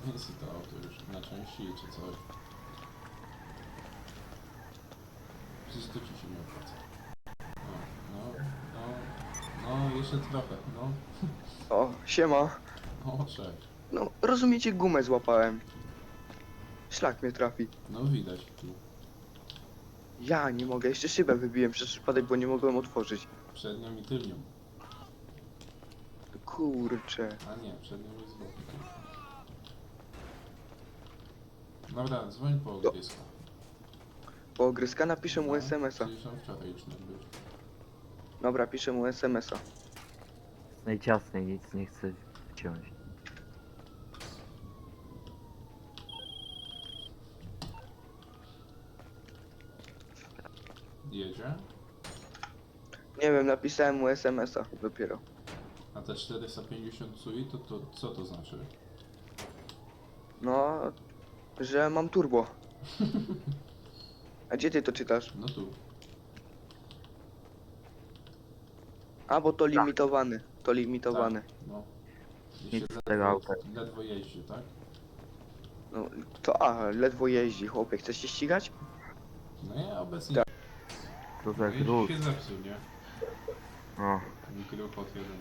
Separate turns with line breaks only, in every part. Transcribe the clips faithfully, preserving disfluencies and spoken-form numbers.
Jest to auto już na części czy coś. Przecież to ci się nie opłaca. No, no, no, no, jeszcze trochę, no.
O, siema.
O, cześć.
No, rozumiecie, gumę złapałem. Szlak mnie trafi.
No widać tu.
Ja nie mogę, jeszcze szybę wybiłem przez przypadek, bo nie mogłem otworzyć.
Przednią i tylnią.
Kurczę.
A nie, przednią jest z boku. Dobra, dzwoń po
Do-
ognisko.
Po ogryska napiszę mu
No,
es em es a.
przecież on wczoraj już nie był.
Dobra, piszę mu es em es a.
No i ciasnej nic nie chcę wciąć.
Jedzie?
Nie wiem, napisałem mu es em es a dopiero.
A te czterysta pięćdziesiąt sui, to, to co to znaczy?
No, że mam turbo. A gdzie ty to czytasz?
No tu.
A, bo to limitowany. To limitowany.
Tak, no. I
Nic
się
z tego auta.
ledwo, ledwo jeździ, tak?
No, to a, ledwo jeździ, chłopie. Chcesz się ścigać?
No ja obecnie...
Tak.
Co za
No i
gruz.
się zepsuł, nie?
O,
Ten gruchot jeden.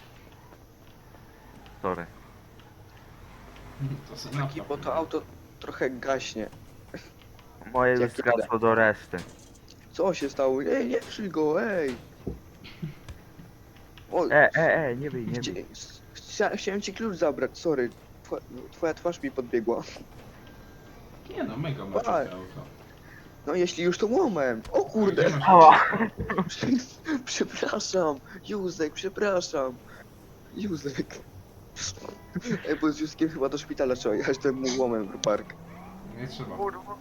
sorry.
To se
Taki,
napraw,
bo to
nie?
auto trochę gaśnie.
Moje już
Jak
zgasło do reszty.
Co się stało? Ej, nie przy go, ej! O,
E, e, e, nie bij, nie
chci-
bij.
chcia- chciałem ci klucz zabrać, sorry. Twa- Twoja twarz mi podbiegła.
Nie no, mega ma
Tak.
takie auto.
No jeśli już to łomem. O
Gdzie
kurde!
masz
Ała!
Przepraszam, Józek, przepraszam. Józek. Ej, bo z Józkiem chyba do szpitala trzeba jechać tym mu łomem w park.
Nie trzeba.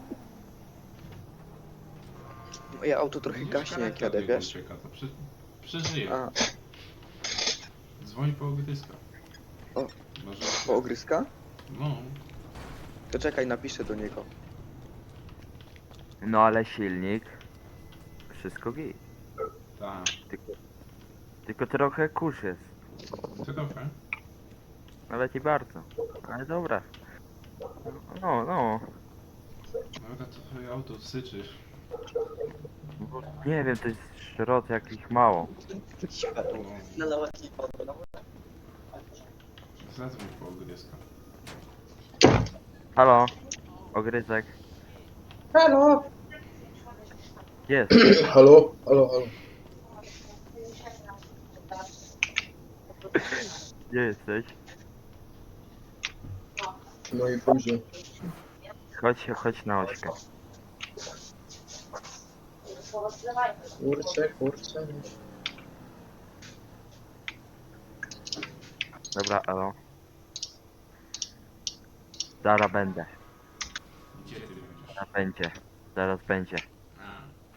Moje auto trochę
Widzisz,
gaśnie jak
karetka
jadę,
biegła
wiesz?
ucieka, to przy... przeżyje.
A,
Dzwoń po ogryska.
O.
Może...
po ogryska?
No.
To czekaj, napiszę do niego.
No ale silnik. Wszystko git.
Tak.
Tylko, tylko trochę kurz jest.
Trochę.
Nawet i bardzo. Ale dobra. No, no.
Dobra, to twoje auto syczy.
Bo nie wiem, to jest szrot jakich mało.
No. Zadzwoń po ogryska.
Halo? Ogryzek.
Halo,
Jest.
halo, halo, halo.
Gdzie jesteś?
W mojej buzie.
Chodź, chodź na ośkę.
Kurczę, kurczę.
Dobra, elo. Zaraz będę.
Gdzie ty będziesz?
Zaraz będzie. Zaraz będzie.